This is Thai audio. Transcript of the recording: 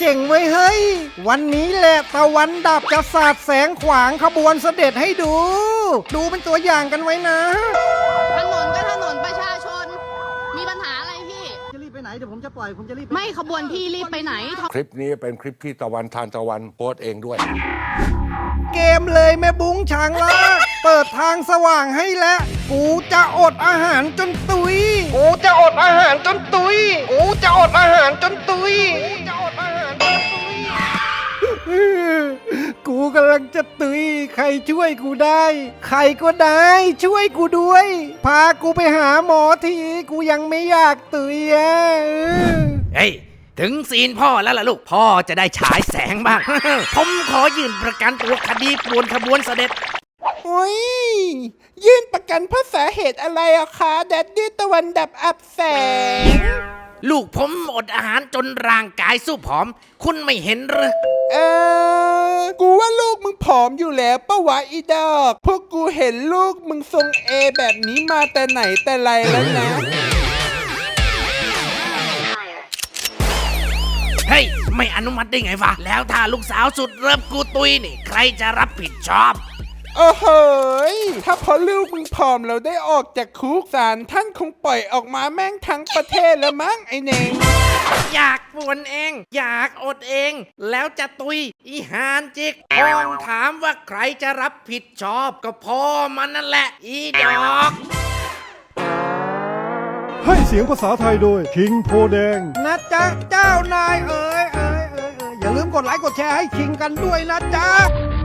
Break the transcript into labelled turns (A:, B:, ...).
A: จ๋งไว้เฮ้ยวันนี้แหละตะวันดับจะสาดแสงขวางขบวนเสด็จให้ดู ดูเป็นตัวอย่างกันไว้นะ
B: ถนนก็ถนนประชาชนมีปัญหาอะไรพี่
A: จะรีบไปไหนเดี๋ยวผมจะปล่อยผมจะรีบ
B: ไม่ขบวนพี่รีบไปไหน
C: คลิปนี้เป็นคลิปที่ตะวันทานตะวันโพสต์เองด้วย
A: เกมเลยแม่บุ้งช้างล่าเปิดทางสว่างให้แล้วกูจะอดอาหารจนตุยกูจะอดอาหารจนตุยกูจะอดอาหารจนตุยกูกำลังจะตุยใครช่วยกูได้ใครก็ได้ช่วยกูด้วยพากูไปหาหมอทีกูยังไม่อยากตุยอ่ะ
D: เฮ้ยถึงซีนพ่อแล้วล่ะลูกพ่อจะได้ฉายแสงบ้าง ผมขอยื่นประกันตัวคดีป่วนขบวนเสด็จ
E: โอ้ยยื่นประกันเพราะสาเหตุอะไรอะคะแดดดี้ตะวันดับอับแสง
D: ลูกผมอดอาหารจนร่างกายสู้ผอมคุณไม่เห็นหรือ
E: กูว่าลูกมึงผอมอยู่แล้วปะวะอีดอกพวกกูเห็นลูกมึงทรงเอแบบนี้มาแต่ไหนแต่ไรแล้วนะ
D: เฮ้ยไม่อนุมัติได้ไงวะแล้วถ้าลูกสาวสุดเริ่มกูตุยนี่ใครจะรับผิดชอบ
E: โอ้โหถ้าพอลูกมึงผอมเราได้ออกจากคุกศาลท่านคงปล่อยออกมาแม่งทั้งประเทศแล้วมั้งไอ้เน่ง
D: อยากป่วนเองอยากอดเองแล้วจะตุยอีหานจิกพ้องถามว่าใครจะรับผิดชอบก็พ่อมันนั่นแหละอีดอก
F: ให้เสียงภาษาไทยโดยคิงโพแดง
A: นะจ๊ะเจ้านายอย่าลืมกดไลค์กดแชร์ให้คิงกันด้วยนะจ๊ะ